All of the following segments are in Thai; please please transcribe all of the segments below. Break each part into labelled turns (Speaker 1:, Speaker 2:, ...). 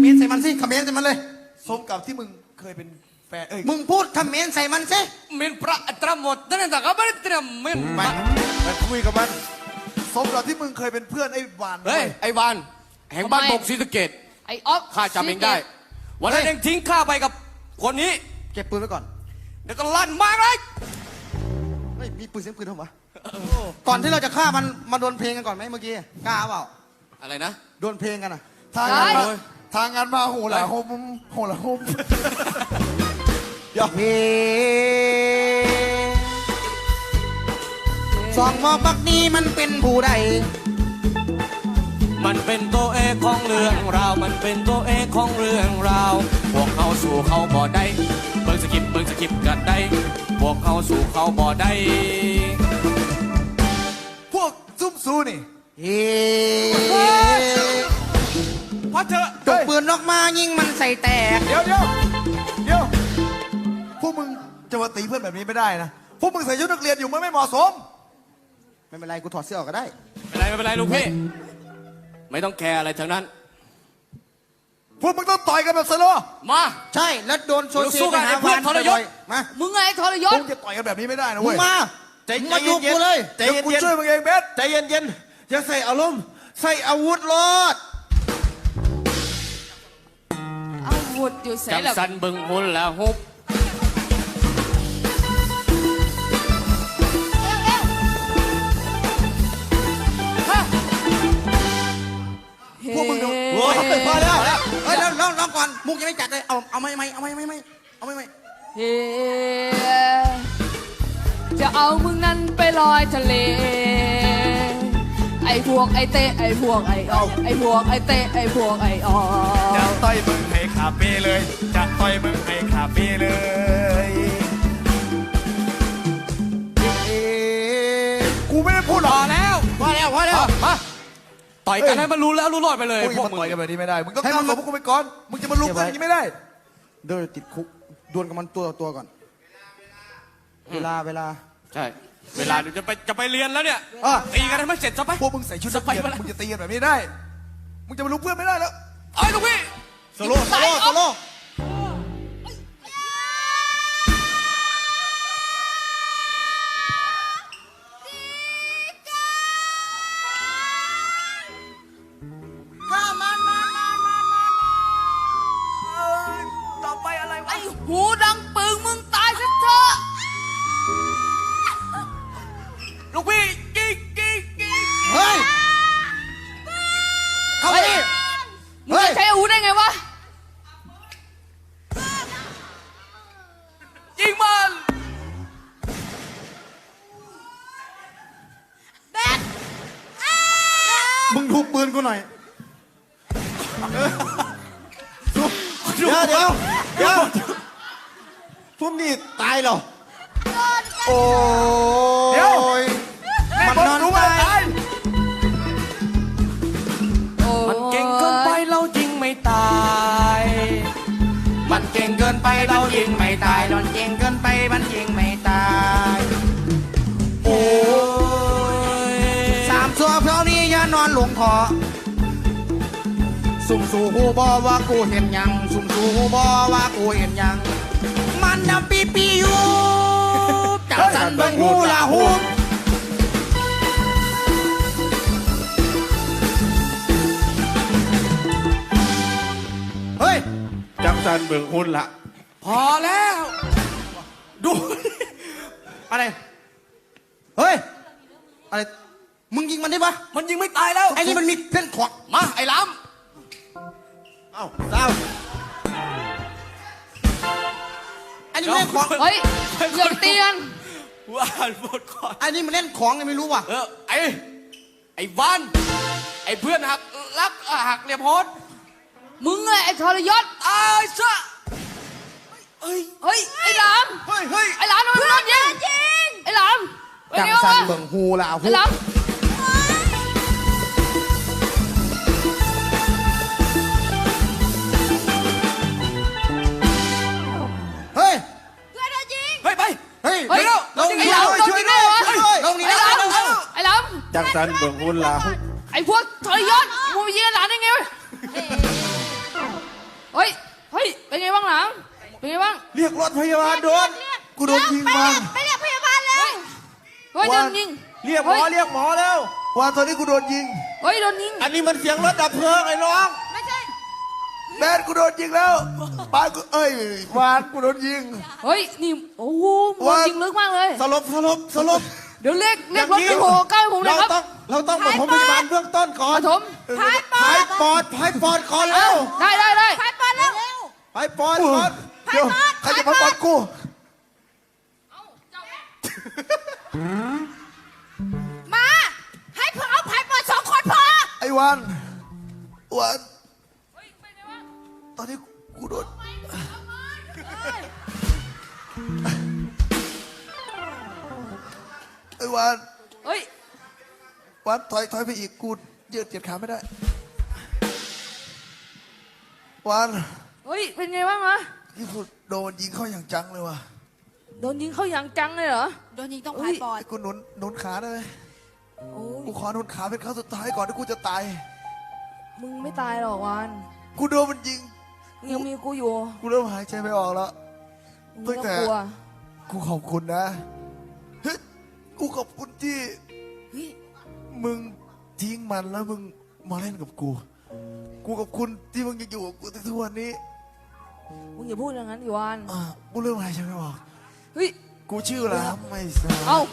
Speaker 1: มนใส่มันสิคอมเมนต์ใส่มันเลย
Speaker 2: สมกับที่มึงเคยเป็นแฟน
Speaker 1: มึงพูดคอมเมนต์ใส่มันสิ
Speaker 3: เมนพระตรหมดนั่นแต่ก็ไม่ได้เตรียมเมน
Speaker 2: ไปคุยกับมันสมกับที่มึงเคยเป็นเพื่อนไอ้วาน
Speaker 3: เฮ้ยไอ้วานแห่งบ้านบกศรีสะเกษ
Speaker 4: ไอ้ออฟ
Speaker 3: ข้าจำเองได้วันนั้นเองทิ้งข้าไปกับคนนี้
Speaker 1: เก็บปืนไว้ก่อน
Speaker 3: เดี๋ยวก็ลั่นมากเลย
Speaker 1: มีปืนเสียงปืนทำไมก่อนที่เราจะฆ่ามันมาโดนเพลงกันก่อนไหมเมื่อกี้กล้าเปล่า
Speaker 3: อะไรนะ
Speaker 1: โดนเพลงกันอ่ะ
Speaker 2: ทางงานมาโหละโหละโฮม
Speaker 1: เฮ้สองมองบักนี้มันเป็นผู้ใด
Speaker 3: มันเป็นตัวเอกของเรื่องราวมันเป็นตัวเอกของเรื่องราวพวกเขาสู่เขาบ่ได้เบิ่งสกิปกันได้พวกเขาสู่เขาบ่ได้
Speaker 2: พวกซุ่มซูนี่
Speaker 3: พอเถอะ
Speaker 1: ตกปืนออกมายิงมันใส่แตก
Speaker 2: เดี๋ยวพวกมึงจะมาตีเพื่อนแบบนี้ไม่ได้นะพวกมึงใส่ชุดนักเรียนอยู่มันไม่เหมาะสม
Speaker 1: ไม่เป็นไรกูถอดเสื้อออกก็ได้
Speaker 3: ไม่เป็นไรลูกพี่ไม่ต้องแคร์อะไรทั้งนั้น
Speaker 2: พวกมึงต้องต่อยกันแบบสโล
Speaker 3: มา
Speaker 1: ใช่แล้วโดนโซเชียล
Speaker 3: หาเพื่อนทรยศ
Speaker 1: มา
Speaker 4: มึงไงทรยศ
Speaker 2: มึงจะต่อยกันแบบนี้ไม่ได้นะเว้ย
Speaker 1: มามาอยู่กูเลย
Speaker 2: ใจเย็นกูช่วยมึงเองเบส
Speaker 1: ใจเย็นอย่าใส่อารมณ์ใส่อาวุธรถ
Speaker 4: อาวุธอยู่ใส่
Speaker 3: จังสันบึงหุ่นแล้วฮุบ
Speaker 1: พวกมึงดูโอ้ยพอแล้วเฮ้ยลองก่อนมุกยังไม่จัดเลยเอาไม่
Speaker 4: เฮ้จะเอามึงนั้นไปลอยทะเลไอ้พวกไอ้เตะไอ้พวกไอ้ออกไอ้พวกไอ้เตะไอ้พวกไอ้ออก
Speaker 2: จะต่อยมึงให้ขาเป้เลยจะต่อยมึงให้ขาเป้เลยกูไม่ได้พูดหรอก
Speaker 3: พอแล้วมาต่อยกันให้มันรู้แล้วรู้รอดไปเลย
Speaker 2: พวกมึงต่อยกันแบบนี้ไม่ได้มึงต้องก้าวของพวกกูไปก่อนมึงจะมาลุกกันอย่างนี้ไม่ได้
Speaker 1: เดินติดคุกดวลกับมันตัวก่อนเวลา
Speaker 3: ใช่เวลาเดี๋ยวจะไปเรียนแล้วเนี่ยตีกันให้มันเสร็จซะไป
Speaker 2: พวกมึงใส่ชุดนักเรียนมึงจะตีกันแบบนี้ได้มึงจะมาลุกเพื่อนไม่ได้แล้ว
Speaker 3: เอ้ยลูกพี่
Speaker 1: โซโล่
Speaker 2: ต่อไปอะไรวะ
Speaker 4: ไอ้หูดังปึงมึงตายซะเถอะ
Speaker 3: ลูกพี่กิ๊ก
Speaker 1: เฮ้ยเข้าไปดิ
Speaker 4: มึงจะใช้อาวุธได้ไงวะ
Speaker 3: ยิงมัน
Speaker 4: แบท
Speaker 1: มึงทุบปืนกูหน่อยเดี๋ยวทุ่มนี่ตายเหรอโอ้ยมันนอนตาย
Speaker 3: มันเก่งเกินไปเรายิงไม่ตายมันเก่งเกินไปเรายิงไม่ตาย
Speaker 1: มันเก่งเกินไปมันยิงไม่ตายโอ้ยสามสัวเพราะนี้อย่านอนหลงคอสุ่มสู่หูบอว่ากูเห็นยังสุ่มสู่หูบอว่ากูเห็นยังมันนำปีอยู่จับสันเบิ่งหูละหูเฮ้ย
Speaker 2: จับสันเบิ่งหุ่นละ
Speaker 3: พอแล้วดู
Speaker 1: อะไรเฮ้ยอะไรมึงยิงมันได้ปะ
Speaker 3: มันยิงไม่ตายแล้ว
Speaker 1: ไอ้นี่มันมีเส้นขวา
Speaker 3: มาไอ้ล้ำ
Speaker 1: เศร้าอันนี้มันเล่นของ
Speaker 4: เฮ้ยอย่าเตียน
Speaker 3: ว่านหมดก่อน
Speaker 1: อันนี้มันเล่นของยังไม่รู้ว่ะ
Speaker 3: ไอ้วันไอ้เพื่อนหักเหลี่ยมโหด
Speaker 4: มึงไงไอ้ทรยศ
Speaker 3: ไอ้ซะ
Speaker 4: เฮ้ยไอ้หลามไอ้หลามทำไมมึงโดนยิงไอ้หลาม
Speaker 1: จังสันเบิ่งหูละหู
Speaker 4: ไอ้หลาม
Speaker 1: เฮ้ย
Speaker 4: เพื่อนโดนยิง
Speaker 3: ไป
Speaker 1: เฮ้ย
Speaker 4: ไอ้หลามโดนยิงไอ้หลามโดนยิงไงวะไอ้หลาม
Speaker 2: จังสันเบิ่งหุ่นละ
Speaker 4: ไอ้พวกทรยศมึงยิงไอ้หลามได้ไงวะางหลังเป็นไงบ้าง
Speaker 1: เรียกรถพยาบาลโดนกูโดนยิงวาน
Speaker 5: ไปเรียกพยาบาลเลย
Speaker 4: เฮ้ยโดนยิง
Speaker 1: เรียกหมอเรียกหมอแล้ววานตอนนี้กูโดนยิง
Speaker 4: เฮ้ยโดนยิง
Speaker 1: อันนี้มันเสียงรถดับเพลิงไอ้น้อง
Speaker 5: ไม่ใช่
Speaker 1: แมนกูโดนยิงแล้วบ้านกูเอ้ยวานกูโดนยิง
Speaker 4: เฮ้ยนี่โอ้โหโดนยิงลึกมากเลย
Speaker 1: สลบ
Speaker 4: เดี๋ยวเรียกรถไปโผล่ใกล้ผมเลยครับ
Speaker 1: เราต้องปฐมพยาบาลเบื้องต้นก่อน
Speaker 4: ปฐม
Speaker 1: พายปอดก่อนแล้ว
Speaker 4: ได้
Speaker 5: ไปปอนเร็ว
Speaker 1: พายปอดก่อนเดี๋ยวใครจะมาปอดกู
Speaker 5: มาให้เพื่อเอาพายปอน2 คนพอ
Speaker 1: ไอ้วันตอนนี้กูโดนไอ้วัน
Speaker 4: เฮ้ย
Speaker 1: วันถอยไปอีกกูยืดเหยียดขาไม่ได้วัน
Speaker 4: เฮ้ยเป็นไงบ้างวะ
Speaker 1: ที่กูโดนยิงเข้าอย่างจังเลยว่ะ
Speaker 4: โดนยิงเข้าอย่างจังเลยเหรอ
Speaker 5: โดนยิงต้องพายปอน
Speaker 1: ไอ้กูหนุนขาได้ไหม
Speaker 4: โอ้ย
Speaker 1: กูขอหนุนขาเป็นครั้งสุดท้ายก่อนที่กูจะตาย
Speaker 4: มึงไม่ตายหรอกวาน
Speaker 1: กูโดนมันยิง
Speaker 4: มึงยังมีกูอยู่
Speaker 1: กูเริ่มหายใจไม่ออกแล้ว
Speaker 4: มึงไม่ต้องกลัว
Speaker 1: กูขอบคุณนะเฮ้ยกูขอบคุณที่
Speaker 5: เฮ้ย
Speaker 1: มึงทิ้งมันแล้วมึงมาเล่นกับกู กูขอบคุณที่มึงยังอยู่กับกูถึงทุกวันนี้
Speaker 4: มึงอย่าพูดอย่างนั้นดิวาน
Speaker 1: กูเริ่มหายใจไม่ออก
Speaker 4: เฮ้ย
Speaker 1: กูชื่อแล้วไม่ทราบ
Speaker 4: เอ้า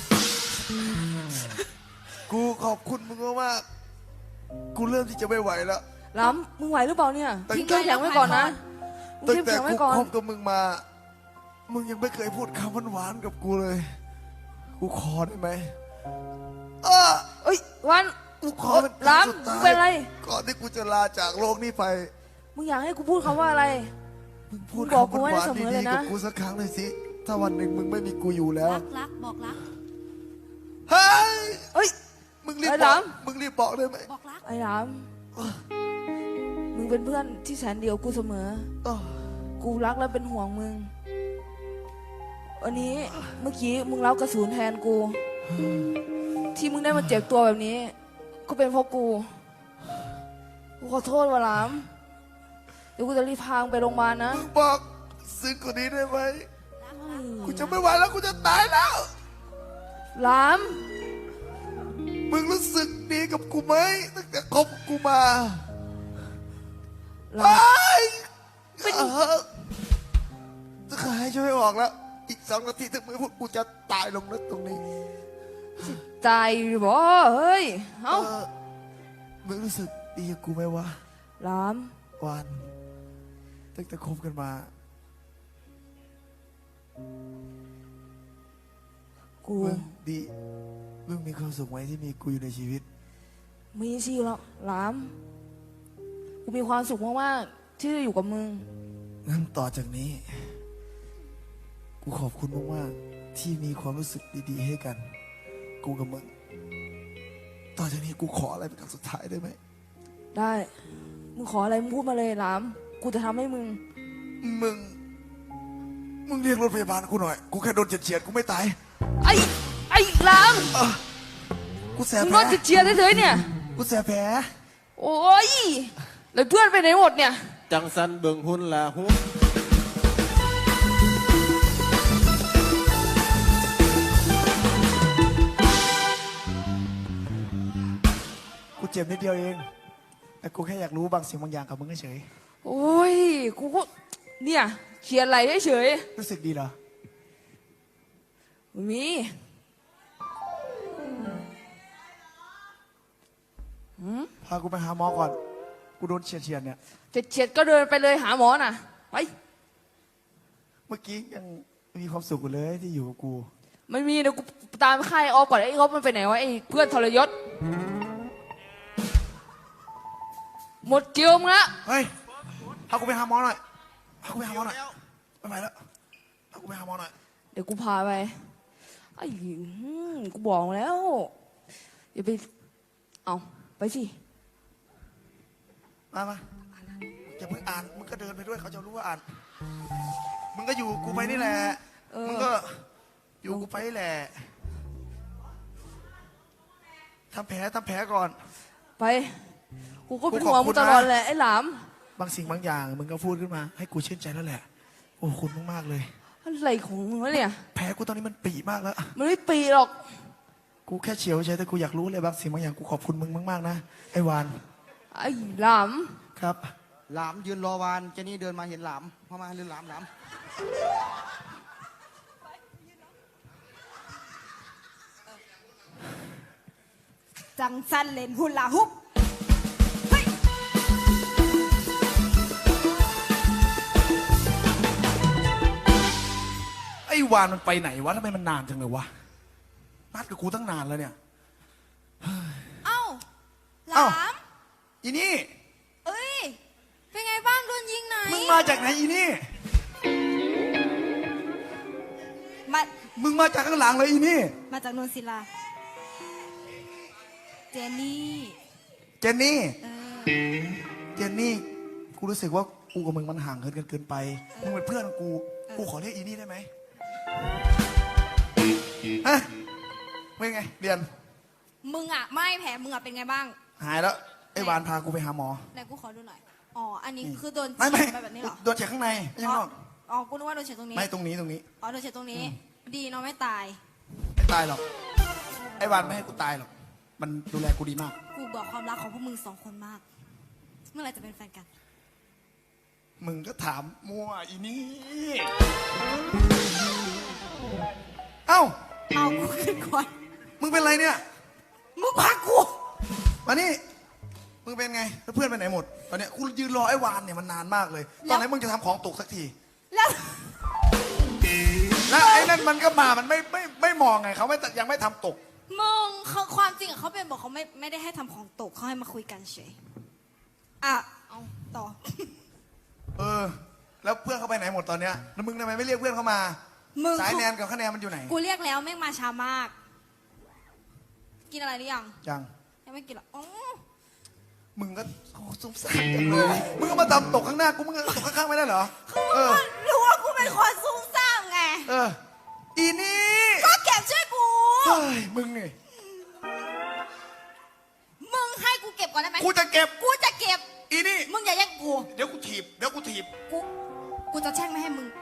Speaker 1: กูขอบคุณมึงมากๆกูเริ่มที่จะไม่ไหวแล้ว
Speaker 4: ล้ำมึงไหวหรือเปล่าเนี่ย
Speaker 1: ตั้ง
Speaker 4: ทิ้งเข้มแข็งไว้ก่อนนะมึง
Speaker 1: ตั้ง
Speaker 4: เข้ม
Speaker 1: แต่
Speaker 4: แข็งไว้
Speaker 1: กู
Speaker 4: ก่อน
Speaker 1: คบกับมึงมา มึงยังไม่เคยพูดคำหวานๆกับกูเลย กูขอได้ไหม
Speaker 4: เอ้ยวัน
Speaker 1: กูขอเป็นครั้
Speaker 4: ล้
Speaker 1: งสุด
Speaker 4: ำมึง
Speaker 1: ท้าย
Speaker 4: เป็นอะไร
Speaker 1: ก่อนที่กูจะลาจากโลกนี้ไป
Speaker 4: มึงอยากให้กูพูดคำว่าอะไร
Speaker 1: มึงพูด
Speaker 4: มึงบอก
Speaker 1: คำ
Speaker 4: กูไว้
Speaker 1: หวาน
Speaker 4: เสมอ
Speaker 1: ๆ
Speaker 4: เล
Speaker 1: ดี
Speaker 4: ย
Speaker 1: ๆ
Speaker 4: นะ
Speaker 1: กับกูสักครั้งเลยสิ ถ้าวันหนึ่งมึงไม่มีกูอยู่แล้ว
Speaker 5: รักบอกรัก
Speaker 1: เฮ้ย
Speaker 4: เอ้ย
Speaker 1: มึงรีบ
Speaker 4: ไอ้
Speaker 1: บ
Speaker 4: ห
Speaker 1: อ
Speaker 4: ลาก ม
Speaker 1: มึงรีบบอกได้ไหม
Speaker 5: บอกรัก
Speaker 4: ไอ้ล้ำมึงเป็นเพื่อนที่แสนเดียวกูเสมอ
Speaker 1: อ้อ
Speaker 4: กูรักและเป็นห่วงมึง วันนี้เมื่อกี้มึงรับกระสุนแทนกู ที่มึงได้มาเจ็บตัวแบบนี้ ก็เป็นเพราะกู กูขอโทษว่ะหลาม เดี๋ยวกูจะรีบพามึงไปโรงพยาบาลนะ
Speaker 1: มึงบอกซึ้งกว่านี้ได้ไหม กูจะไม่ไหวแล้วกูจะตายแล้ว
Speaker 4: หลาม
Speaker 1: มึงรู้สึกดีกับกูไหมตั้งแต่คบกูมา
Speaker 4: หลาม
Speaker 1: จะหายใจไม่ออกแล้ว อีก2 นาทีถึงมือพวกกูจะตายลงแล้วตรงนี้
Speaker 4: ใจบ่เฮ้ย เอ้า
Speaker 1: มึงรู้สึกดีกับกูไหมวะ
Speaker 4: หลาม
Speaker 1: วันตั้งแต่คบกันมา
Speaker 4: กู
Speaker 1: มึงดี มึงมีความสุขไหมที่มีกูอยู่ในชีวิต
Speaker 4: มีสิแล้วหลาม กูมีความสุขมากๆที่ได้อยู่กับมึง
Speaker 1: งั้นต่อจากนี้ กูขอบคุณมากๆที่มีความรู้สึกดีๆให้กัน กูกับมึง ต่อจากนี้กูขออะไรเป็นครั้งสุดท้ายได้ไหม
Speaker 4: ได้ มึงขออะไรมึงพูดมาเลยหลาม กูจะทำให้มึง
Speaker 1: มึงเรียกรถพยาบาลกูหน่อย กูแค่โดนเฉียดๆกูไม่ตาย
Speaker 4: ไอ้หลาม
Speaker 1: กูแสบ
Speaker 4: มึง
Speaker 1: แผ
Speaker 4: ร
Speaker 1: ล
Speaker 4: ถจะเชียร์เฉยๆเนี่ย
Speaker 1: กูแสบแผล
Speaker 4: โอ้ย แล้วเพื่อนไปไหนหมดเนี่ย
Speaker 3: จังสันเบิ่งหุ่นละหุ
Speaker 1: กูเจ็บนิดเดียวเอง แต่กูแค่อยากรู้บางสิ่งบางอย่างกับมึงเฉย
Speaker 4: โอ้ย กูก็ เนี่ยเขียนอะไรเฉย
Speaker 1: ๆรู้สึกดีเหรอ
Speaker 4: ๆมี
Speaker 1: พากูไปหาหมอก่อน กูโดนเฉียดๆเนี่ย
Speaker 4: จะเฉียดก็เดินไปเลยหาหมอน่ะ ไป
Speaker 1: เมื่อกี้ยังมีความสุขอยู่เลยที่อยู่กับกู
Speaker 4: ไม่มีเดี๋ยวกูตามค่ายออฟก่อนไอ้ออฟมันไปไหนวะไอ้เพื่อนทรยศ หมดเกลียวมึงละ
Speaker 1: เฮ้ย พากูไปหาหมอหน่อย พากูไปหาหมอหน่อย ไม่ไหวแล้ว พากูไปหาหมอหน่อย
Speaker 4: เดี๋ยวกูพาไป ไอ้กูบอกแล้ว อย่าไป เอาไปสิ
Speaker 1: มาอย่าเพิ่งอ่าน มึงก็เดินไปด้วยเขาจะรู้ว่าอ่าน มึงก็อยู่กูไปนี่แหละ มึงก็อยู่กูไปนี่แหละทำแผลก่อน
Speaker 4: ไป กูก็เป็นห่วงมึงตลอดแหละไอ้หลาม
Speaker 1: บางสิ่งบางอย่างมึงก็พูดขึ้นมา ให้กูชื่นใจแล้วแหละโอ้คุณมากๆเลย
Speaker 4: อะไรของมึงวะเนี่ย
Speaker 1: แผลกูตอนนี้มันปีมากแล้ว
Speaker 4: มันไม่ปีหรอก
Speaker 1: กูแค่เฉียวเฉยแต่กูอยากรู้เลยบางสิ่งบางอย่างกูขอบคุณมึงมากๆนะไอ้วาน
Speaker 4: ไอ้หลาม
Speaker 1: ครับ
Speaker 6: หลามยืนรอวานเจนี่เดินมาเห็นหลามเข้ามาเดินหลาม
Speaker 5: จังสันเล่นหุ่นลาฮุบเฮ้ย
Speaker 1: ไอ้วานมันไปไหนวะทำไมมันนานจังเลยวะนัดกับกูตั้งนานแล้วเนี่ย
Speaker 5: เอ้าหลา
Speaker 1: เอ้า
Speaker 5: ม
Speaker 1: อีนี่
Speaker 5: เอ้ย เป็นไงบ้างโดนยิงไหน
Speaker 1: มึงมาจากไหนอีนี่
Speaker 5: มา
Speaker 1: มึงมาจากข้างหลังเลยอีนี่
Speaker 5: มาจากนนศิลา เจนี่
Speaker 1: เจนนี่
Speaker 5: เออ
Speaker 1: เจนนี่ กูรู้สึกว่ากูกับมึงมันห่างเหินกันเกินไป มึงเป็นเพื่อนกู กูขอเรียกอีนี่ได้ไหมฮะเป็นไง เรียน
Speaker 5: มึงอ่ะ ไม่แผลมึงอ่ะเป็นไงบ้าง
Speaker 1: หายแล้ว ไอ้วานพากูไปหาหมอ
Speaker 5: ไหนกูขอดูหน่อย อ๋อ อันนี้คือโดน
Speaker 1: ไม่
Speaker 5: ฉีดไปแบบนี้เหรอ
Speaker 1: โดนเฉียดข้างในไม่ใช่ข้างนอก
Speaker 5: อ๋อ กูนึกว่าโดนเฉียดตรงนี้
Speaker 1: ไม่ตรงนี้
Speaker 5: อ๋อ โดนเฉียดตรงนี้ ดีเนาะไม่ตาย
Speaker 1: ไม่ตายหรอก ไอ้วานไม่ให้กูตายหรอก มันดูแลกูดีมาก
Speaker 5: กูบอกความรักของพวกมึงสองคนมาก เมื่อไหรจะเป็นแฟนกัน
Speaker 1: มึงก็ถามมั่วอีนี่ เอ้า
Speaker 5: เอากูขึ้นก่อน
Speaker 1: มึงเป็นไรเนี่ย
Speaker 5: มึงพากู
Speaker 1: มานี่ มึงเป็นไง แล้วเพื่อนไปไหนหมด ตอนเนี้ยกูยืนรอไอ้วานเนี่ยมันนานมากเลย ตอนไหนมึงจะทำของตกสักที
Speaker 5: แล้ว
Speaker 1: แล้วไอ้นั่นมันก็มา มันไม่มองไงเขาไม่ยังไม่ทำตก
Speaker 5: มึงเขาความจริงอะเขาเป็นบอกเขาไม่ได้ให้ทำของตกเขาให้มาคุยกันเฉย อ่ะ เอาต่อ
Speaker 1: เออ แล้วเพื่อนเขาไปไหนหมดตอนเนี้ย แล้วมึงทำไมไม่เรียกเพื่อนเขามา
Speaker 5: มึง
Speaker 1: สายแนนกับคะแนนมันอยู่ไหน
Speaker 5: กูเรียกแล้วแม่งมาช้ามาก กินอะไรหรือยัง
Speaker 1: ยัง
Speaker 5: ยังไม่กินหรออ๋อ
Speaker 1: มึงก็โอ้สงสารจังเลย มึงก็มาทำตกข้างหน้ากู มึงก็ตกข้างๆไม่ได้เหรอ เออ
Speaker 5: รู้ว่ากูเป็นคนซุ่มซ่ามไง
Speaker 1: เออ อีนี่
Speaker 5: ก็เก็บช่วยกู
Speaker 1: เฮ้ย มึงนี่
Speaker 5: มึงให้กูเก็บก่อนได้ไหม
Speaker 1: กูจะเก็บ
Speaker 5: กูจะเก็บ
Speaker 1: อีนี่
Speaker 5: มึงอย่าแย่งกู
Speaker 1: เดี๋ยวกูถีบ
Speaker 5: กูจะแช่งไม่ให้มึง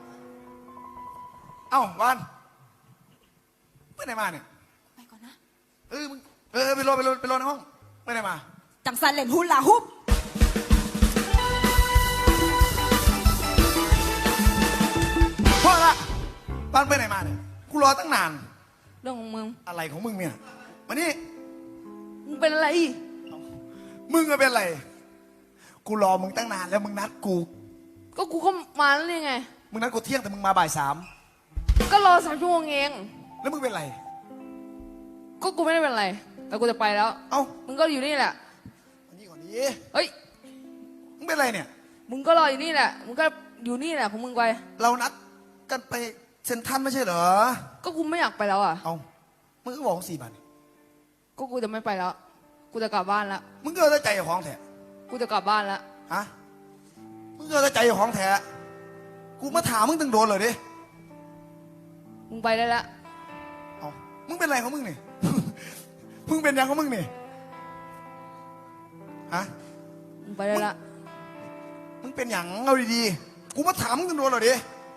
Speaker 1: เอ้าวันไปไหนมาเนี่ย
Speaker 5: ไปก่อนนะ
Speaker 1: มึงไปรอในห้องไปไหนมา
Speaker 5: จังสันเล่นหุ่นลาฮุบ
Speaker 1: พ่อละบ้านไปไหนมาเนี่ย กูรอตั้งนาน
Speaker 4: เรื่องของมึง
Speaker 1: อะไรของมึงเนี่ยมานี่
Speaker 4: มึงเป็นอะไร
Speaker 1: มึงก็เป็นอะไร กูรอมึงตั้งนานแล้วมึงนัดกู
Speaker 4: ก็กูก็มาแล้วนี่ไง
Speaker 1: มึงนัดกูเที่ยงแต่มึงมาบ่าย 3
Speaker 4: ก็รอ3 ชั่วโมงเอง
Speaker 1: แล้วมึงเป็นไร
Speaker 4: ก็กูไม่ได้เป็นอะไร แต่กูจะไปแล้ว
Speaker 1: เอ้า
Speaker 4: มึงก็อยู่นี่แหละ
Speaker 1: อันนี้ก่อนดิ
Speaker 4: เฮ้ย
Speaker 1: มึงเป็นไรเนี่ย
Speaker 4: มึงก็รออยู่นี่แหละ มึงก็อยู่นี่แหละของมึงไป
Speaker 1: เรานัดกันไปเซ็นทรัลไม่ใช่เหรอ
Speaker 4: ก็กูไม่อยากไปแล้วอ่ะ
Speaker 1: เอามึงก็บอก4 บาทนี่
Speaker 4: ก็กูจะไม่ไปแล้ว กูจะกลับบ้านแล้ว
Speaker 1: มึงก็เอาใจของแท้
Speaker 4: กูจะกลับบ้านแล้ว
Speaker 1: ฮะ มึงก็เอาใจของแท้กูมาถามมึงตั้งโดนเลยดิ
Speaker 4: มึงไปได้แล้ว
Speaker 1: เอามึงเป็นไรของมึงนี่ มึงเป็นยังของมึงนี่ ฮะ
Speaker 4: มึงไปได้แล้ว
Speaker 1: มึงเป็นอย่างเอาดีๆ กูมาถามมึงตั้งโดนเลยดิ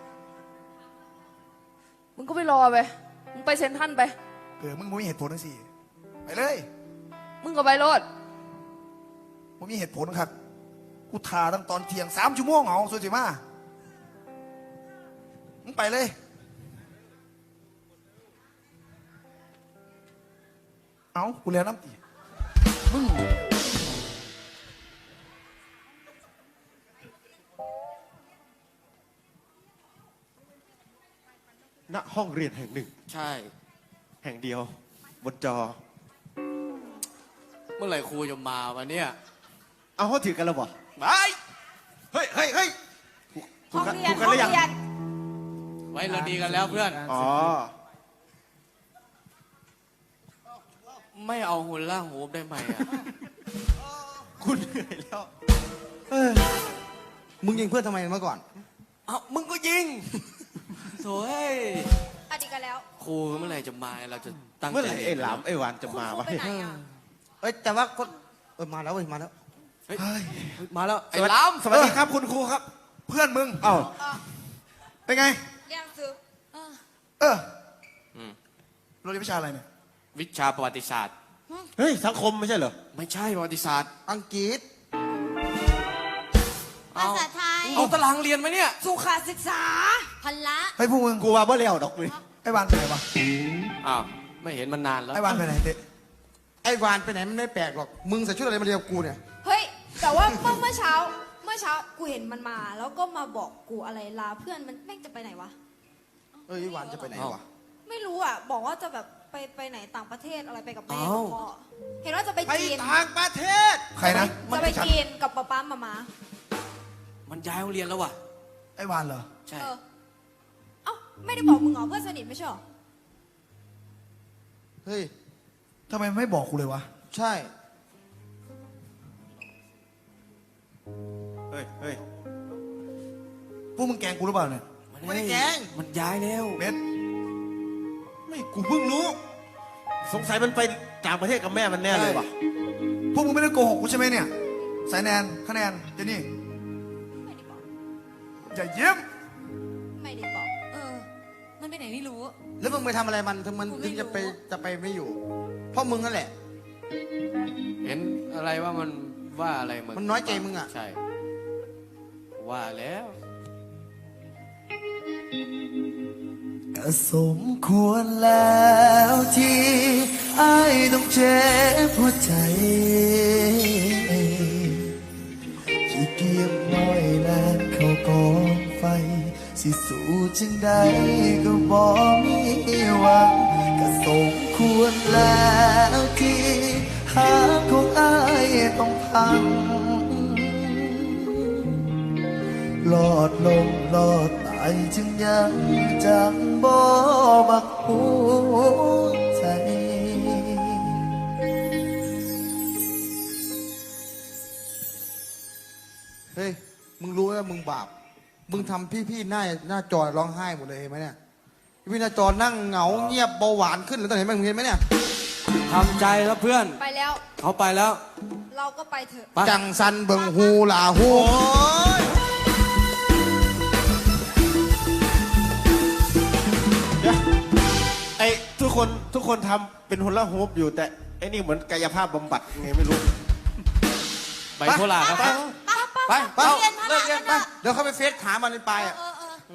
Speaker 4: มึงก็ไปรอไป มึงไปเซ็นทรัลไป
Speaker 1: มึงไม่มีเหตุผลทั้งสี่ไปเลย
Speaker 4: มึงก็ไปโลด
Speaker 1: มึงมีเหตุผลครับ กูทาตั้งตอนเที่ยง3 ชั่วโมงเอาสุดสิมามึงไปเลย เอากูเรียนน้ำตีมึง
Speaker 7: ณห้องเรียนแห่งหนึ่ง
Speaker 3: ใช่
Speaker 7: แห่งเดียว บนจอ
Speaker 3: เมื่อไหร่ครูจะมาวันเนี้ย
Speaker 7: เอาเขาถือกันแล้วบ่
Speaker 3: ไป
Speaker 1: เฮ้ยเฮ้ยเฮ้ย
Speaker 5: ห้องเรียน
Speaker 7: ถูกกัน
Speaker 5: ห้อ
Speaker 7: ห
Speaker 5: ง
Speaker 7: รือยัง
Speaker 5: เรียน
Speaker 3: ไว้เราดีกันแล้วเพื่อน
Speaker 7: อ๋อ
Speaker 3: ไม่เอาหุ่นล่างหูได้ไหมอ่ะ
Speaker 7: คุณเหนื่อยแล้ว
Speaker 6: มึงยิงเพื่อนทำไมเมื่อก่อน
Speaker 3: เอามึงก็ยิงโถ่เอ้ย
Speaker 5: อะดีกันแล้ว
Speaker 3: ครูเมื่อไหร่จะมาเราจะตั้งใจ
Speaker 7: เมื่อไหร่ไอ้หลามไอ้หวานจะ
Speaker 5: คุณ
Speaker 7: มา
Speaker 5: ครู
Speaker 7: วะ
Speaker 5: ไปไหนอ่ะ
Speaker 6: แต่ว่าก็มาแล้วเว้ยมาแล้ว
Speaker 3: เฮ้ย
Speaker 1: เฮ้ย
Speaker 3: มาแล้วไอ้
Speaker 7: สวัส
Speaker 3: ล้
Speaker 7: สวัสดีครับคุณครูครับ
Speaker 1: เพื่อนมึง
Speaker 7: เอ้า
Speaker 1: เป็นไง
Speaker 5: เรียนซื้อ
Speaker 1: เออเราเรียนวิชาอะไรเนี่ย
Speaker 3: ำวิชาประวัติศาสตร์
Speaker 7: เฮ้ยสังคมไม่ใช่เหรอ
Speaker 3: ไม่ใช่ประวัติศาสตร์
Speaker 6: อังกฤษ
Speaker 5: ภาษาไทย
Speaker 3: เอาตารางเรียนไหมเนี่ย
Speaker 5: สุขศึกษาพละ
Speaker 1: เฮ้ยพวกมึง
Speaker 7: กูว่าบ่แล้วดอกเลย
Speaker 1: ไอ้วานไปไหนวะ
Speaker 3: อ้าวไม่เห็นมันนานแล้ว
Speaker 1: ไอ้วานไปไหนเด็ก
Speaker 6: ไอ้วานไปไหนมันไม่แปลกหรอก มึงใส่ชุดอะไรมาเรียนกับกูเนี่ย
Speaker 5: เฮ้ย แต่ว่าเมื่อเช้ากูเห็นมันมา แล้วก็มาบอกกูอะไรลาเพื่อนมันแม่งจะไปไหนวะ
Speaker 6: เอ้ยไอ้วานจะไปไหนวะ
Speaker 5: ไม่รู้อ่ะ บอกว่าจะแบบไปไหนต่างประเทศอะไรไปกับแม่กับพ่อ เห็นว่าจะไป
Speaker 6: ไป
Speaker 5: จีน
Speaker 6: ต่างประเทศ
Speaker 1: ใครนะ
Speaker 5: จะไปจีนกับป๊าป๊ามามา
Speaker 3: มันย้ายโรงเรียนแล้วว่ะ
Speaker 1: ไอ้วานเหรอ
Speaker 3: ใช่
Speaker 5: เออ เอ้าไม่ได้บอกมึงเหรอเพื่อนสนิทไม่ใช่เหรอ
Speaker 6: เฮ้ย
Speaker 1: ทำไมไม่บอกกูเลยวะ
Speaker 6: ใช่
Speaker 7: เฮ้ยเฮ้ย
Speaker 1: พวกมึงแกล้งกูหรือเปล่าเนี่ย
Speaker 6: ไม่ได้แกล้ง
Speaker 3: มันย้ายแล้ว
Speaker 1: เบส
Speaker 7: ไม่กูเพิ่งรู้ สงสัยมันไปต่างประเทศกับแม่มันแน่เลยว่ะ
Speaker 1: พวกมึงไม่ได้โกหกกูใช่ไหมเนี่ยสายแนนคะแนนเจนี่
Speaker 5: ไม่ได้บอก
Speaker 1: อย่ายิ้ม
Speaker 5: ไม่ได้บอก มันไปไหนไม่รู้
Speaker 6: แล้วมึงไปทำอะไรมันถึงมัน
Speaker 5: กูไม่
Speaker 6: ถึง
Speaker 5: รู้
Speaker 6: จะไปไม่อยู่ เพราะมึงนั่นแหละ
Speaker 3: เห็นอะไรว่ามันว่าอะไรมึง
Speaker 6: มันน้อยใจมึงอะ
Speaker 3: ใช่ ว่าแล้ว
Speaker 1: ก็สมควรแล้วที่ไอ้ายต้องเจ็บหัวใจขี้เกียจน้อยแลนเข้ากองไฟ สิสู้จึงได้ก็บ่มีหวังก็สมควรแล้วที่หาของไอ้ายต้องพัง หลอดลมหลอดตายจึงยังจังบ่บักหัวใจ
Speaker 6: เฮ้ย มึงรู้ว่ามึงบาป มึงทำพี่ๆหน้าจอร้องไห้หมดเลยเห็นไหมเนี่ย พี่หน้าจอนั่งเหงาเงียบเบาหวานขึ้นเลยตอนเห็นไหมมึงเห็นไหมเนี่ย
Speaker 3: ทำใจแล้วเพื่อน
Speaker 5: ไปแล้ว
Speaker 3: เขาไปแล้ว
Speaker 5: เราก็ไปเถอะ
Speaker 3: ไป
Speaker 6: จังสันเบิงฮูหลาฮู
Speaker 7: ไอ้ทุกคนทำเป็นฮุลาฮูปอยู่แต่ไอ้นี่เหมือนกายภาพบำบัดไงไม่รู้
Speaker 3: ไปโคราชครับ
Speaker 6: ไป
Speaker 3: เอา
Speaker 5: เรียนพ
Speaker 3: เลิ
Speaker 5: ละ
Speaker 3: กเรียน
Speaker 5: กัน
Speaker 3: ไป
Speaker 5: เถอะ
Speaker 6: เดี๋ยวเขาไปเฟซหามันในปลายอ่ะ
Speaker 5: เออ